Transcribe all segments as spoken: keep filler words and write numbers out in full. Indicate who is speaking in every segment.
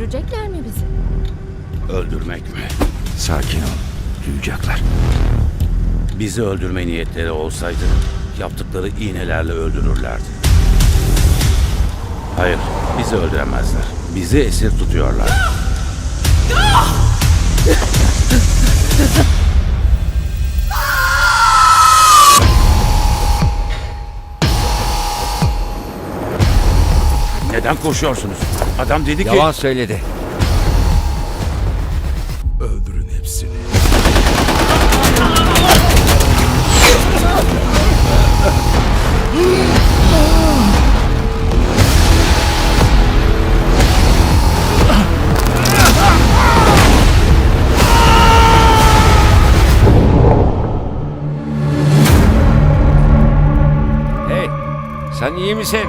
Speaker 1: öldürecekler mi bizi?
Speaker 2: Öldürmek mi?
Speaker 3: Sakin ol. Duyacaklar.
Speaker 2: Bizi öldürme niyetleri olsaydı yaptıkları iğnelerle öldürürlerdi. Hayır, bizi öldüremezler. Bizi esir tutuyorlar. Neden koşuyorsunuz? Adam dedi ki...
Speaker 3: Yalan söyledi.
Speaker 4: Öldürün hepsini.
Speaker 3: Hey, sen iyi misin?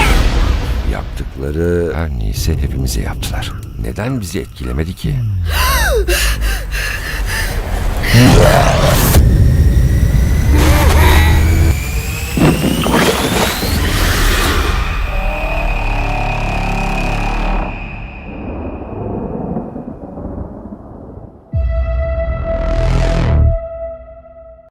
Speaker 3: Yaptıkları her neyse hepimize yaptılar. Neden bizi etkilemedi ki?